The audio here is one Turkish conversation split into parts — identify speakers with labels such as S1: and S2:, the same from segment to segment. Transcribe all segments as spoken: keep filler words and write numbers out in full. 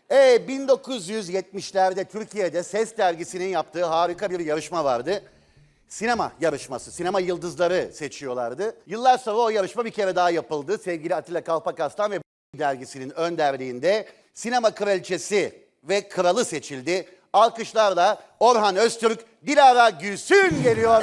S1: E, bin dokuz yüz yetmişlerde Türkiye'de Ses Dergisi'nin yaptığı harika bir yarışma vardı. Sinema yarışması, sinema yıldızları seçiyorlardı. Yıllar sonra o yarışma bir kere daha yapıldı. Sevgili Atilla Kalpakaslan ve dergisinin önderliğinde sinema kraliçesi ve kralı seçildi. Alkışlarla Orhan Öztürk, Dilara Gülsün geliyor.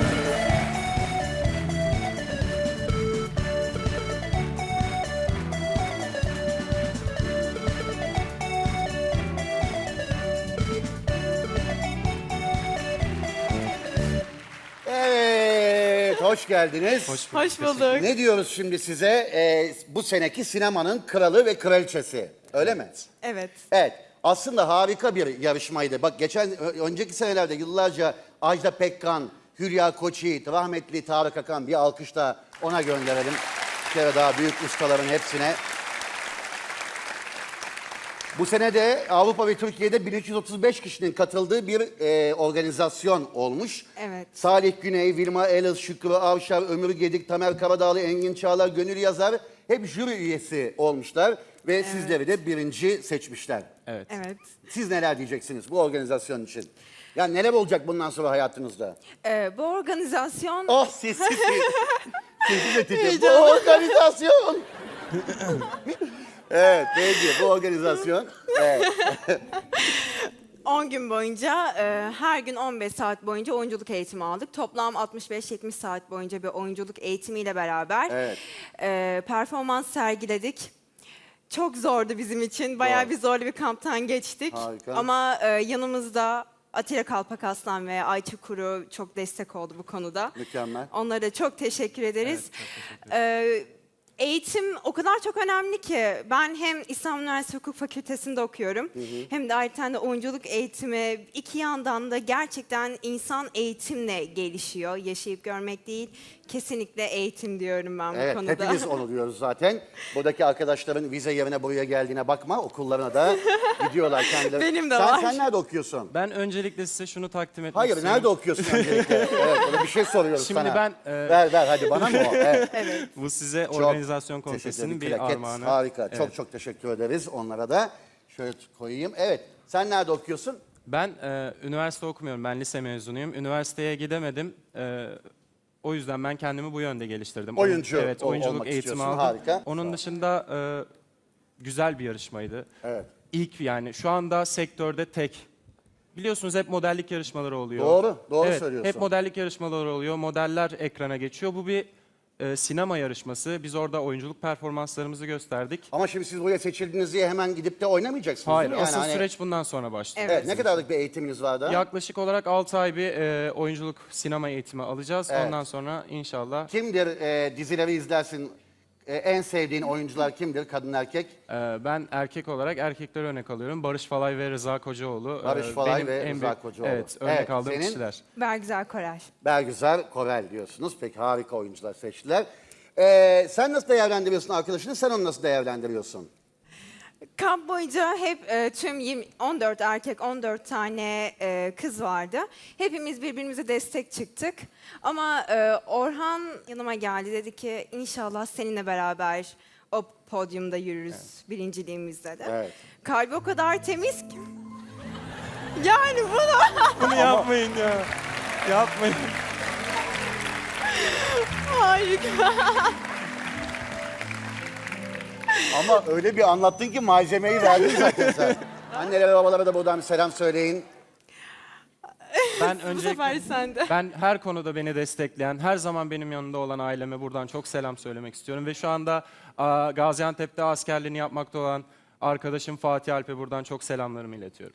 S1: Evet, hoş geldiniz.
S2: Hoş bulduk.
S3: Hoş bulduk.
S1: Ne diyoruz şimdi size? Ee, bu seneki sinemanın kralı ve kraliçesi. Öyle mi?
S3: Evet.
S1: Evet. Aslında harika bir yarışmaydı. Bak geçen, ö- önceki senelerde yıllarca Ajda Pekkan, Hülya Koçyiğit, rahmetli Tarık Akan, bir alkış da ona gönderelim. Bir kere daha büyük ustaların hepsine. Bu sene de Avrupa ve Türkiye'de bin üç yüz otuz beş kişinin katıldığı bir e, organizasyon olmuş.
S3: Evet.
S1: Salih Güney, Vilma Elis, Şükrü Avşar, Ömür Gedik, Tamer Karadağlı, Engin Çağlar, Gönül Yazar hep jüri üyesi olmuşlar. Ve sizleri de birinci seçmişler.
S2: Evet.
S3: Evet.
S1: Siz neler diyeceksiniz bu organizasyon için? Ya neler olacak bundan sonra hayatınızda?
S3: Ee, bu organizasyon
S1: Oh siz siz siz. Sizi de titriyor. Bu
S3: Heyecanlı.
S1: organizasyon. Evet peki bu organizasyon. Evet.
S3: on gün boyunca e, her gün on beş saat boyunca oyunculuk eğitimi aldık. Toplam altmış beş yetmiş saat boyunca bir oyunculuk eğitimiyle beraber
S1: Evet.
S3: e, performans sergiledik. Çok zordu bizim için. Bayağı
S1: Zor.
S3: bir zorlu bir kamptan geçtik.
S1: Harika.
S3: Ama e, yanımızda Atilla Kalpakaslan ve Ayça Kuru çok destek oldu bu konuda.
S1: Mükemmel.
S3: Onlara da çok teşekkür ederiz.
S2: Evet, çok teşekkür ederim.
S3: Ee, eğitim o kadar çok önemli ki ben hem İstanbul Üniversitesi Hukuk Fakültesi'nde okuyorum hem de ayrıca de oyunculuk eğitimi, iki yandan da gerçekten insan eğitimle gelişiyor. Yaşayıp görmek değil, kesinlikle eğitim diyorum ben bu
S1: Evet,
S3: konuda.
S1: hepimiz onu diyoruz zaten. Buradaki arkadaşların vize yerine buraya geldiğine bakma. Okullarına da gidiyorlar kendileri.
S3: Benim de
S1: sen,
S3: var.
S1: Sen nerede okuyorsun?
S2: Ben öncelikle size şunu takdim etmek
S1: Hayır,
S2: istiyorum.
S1: nerede okuyorsun öncelikle? Evet, öyle bir şey soruyoruz
S2: Şimdi
S1: sana.
S2: ben, e,
S1: Ver, ver, hadi bana mı o? Evet.
S2: Bu size
S1: Çok
S2: organizasyon
S1: teşekkür
S2: komitesinin
S1: ederim.
S2: bir
S1: Plaket,
S2: armağanı.
S1: Harika,
S2: Evet.
S1: çok çok teşekkür ederiz onlara da. Şöyle koyayım. Evet, sen nerede okuyorsun?
S2: Ben e, üniversite okumuyorum. Ben lise mezunuyum. Üniversiteye gidemedim. E, o yüzden ben kendimi bu yönde geliştirdim. Oyun-
S1: Oyuncu
S2: Evet,
S1: ol-
S2: oyunculuk
S1: olmak
S2: eğitimi
S1: istiyorsun.
S2: aldım.
S1: Harika.
S2: Onun dışında e, güzel bir yarışmaydı.
S1: Evet.
S2: İlk yani şu anda sektörde tek. Biliyorsunuz hep modellik yarışmaları oluyor.
S1: Doğru, doğru
S2: Evet,
S1: söylüyorsun.
S2: hep modellik yarışmaları oluyor. Modeller ekrana geçiyor. Bu bir e, sinema yarışması. Biz orada oyunculuk performanslarımızı gösterdik.
S1: Ama şimdi siz buraya seçildiniz diye hemen gidip de oynamayacaksınız
S2: Hayır,
S1: değil mi? Yani
S2: asıl
S1: hani-
S2: süreç bundan sonra başlıyor.
S3: Evet.
S1: Evet, ne kadarlık bir eğitiminiz var da?
S2: Yaklaşık olarak altı ay bir e, oyunculuk sinema eğitimi alacağız.
S1: Evet.
S2: Ondan sonra inşallah
S1: Kimdir e, dizileri izlersin? E, en sevdiğin oyuncular kimdir? Kadın erkek?
S2: e, ben erkek olarak erkekleri örnek alıyorum. Barış Falay ve Rıza Kocaoğlu. e,
S1: Barış Falay
S2: benim
S1: ve
S2: en
S1: Rıza
S2: büyük-
S1: Kocaoğlu.
S2: Evet, örnek
S1: Evet,
S2: aldığım
S1: senin?
S2: kişiler.
S3: Bergüzar Koray.
S1: Bergüzar Korel diyorsunuz. Peki harika oyuncular seçtiler. E, sen nasıl değerlendiriyorsun arkadaşını? Sen onu nasıl değerlendiriyorsun?
S3: Kamp boyunca hep e, tüm yirmi on dört erkek, on dört tane e, kız vardı. Hepimiz birbirimize destek çıktık. Ama e, Orhan yanıma geldi, dedi ki inşallah seninle beraber o podyumda yürürüz birinciliğimizde de.
S1: Evet.
S3: Kalbi o kadar temiz ki. Yani bunu
S2: Bunu yapmayın ya. Yapmayın.
S3: harika.
S1: Ama öyle bir anlattın ki malzemeyi verdin zaten sen. Annelere babalara da buradan bir selam söyleyin.
S2: Ben
S3: Bu sefer
S2: öncelikle
S3: sende.
S2: ben her konuda beni destekleyen, her zaman benim yanında olan aileme buradan çok selam söylemek istiyorum. Ve şu anda a, Gaziantep'te askerliğini yapmakta olan arkadaşım Fatih Alp'e buradan çok selamlarımı iletiyorum.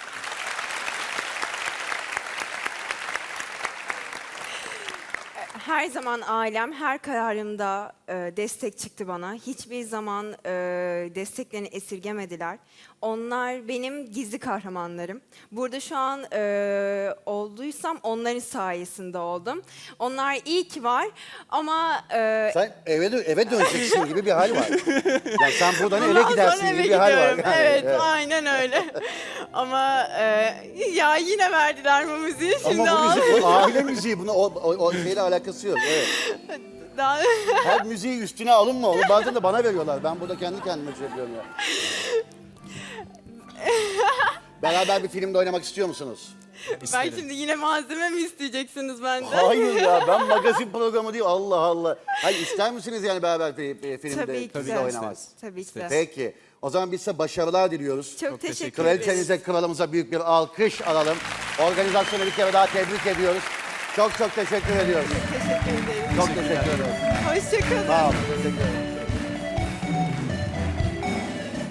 S3: Her zaman ailem her kararımda e, destek çıktı bana. Hiçbir zaman e, desteklerini esirgemediler. Onlar benim gizli kahramanlarım. Burada şu an e, olduysam onların sayesinde oldum. Onlar iyi ki var ama e,
S1: Sen eve, dö- eve döneceksin gibi bir hal var. Yani sen buradan eve
S3: bundan
S1: gidersin
S3: sonra
S1: gibi
S3: eve
S1: bir hal var.
S3: gidiyorum.
S1: Yani,
S3: Evet, aynen öyle. Ama e, ya yine verdiler bu müziği şimdi
S1: Ama bu
S3: al.
S1: müzik, o aile müziği, buna o, o, o şeyle alakası yok. Evet.
S3: Daha-
S1: Her müziği üstüne alınma. Onu bazen de bana veriyorlar. Ben burada kendi kendime şey yapıyorum ya. Beraber bir filmde oynamak istiyor musunuz?
S3: Ben şimdi yine malzeme mi isteyeceksiniz benden?
S1: Hayır ya, ben magazin programı değil. Allah Allah. Hayır, ister misiniz yani beraber fi- filmde
S3: Tabii ki
S1: bizle
S3: de.
S1: oynamak?
S3: Tabii ki de.
S1: Peki. O zaman biz size başarılar diliyoruz.
S3: Çok, teşekkür ederim.
S1: Kraliçenize, kralımıza büyük bir alkış alalım. Organizasyonu bir kere daha tebrik ediyoruz. Çok çok teşekkür ediyoruz.
S3: Teşekkür ederim.
S1: Çok teşekkür ederim.
S3: Hoşçakalın.
S1: Sağ olun. Teşekkür ederim.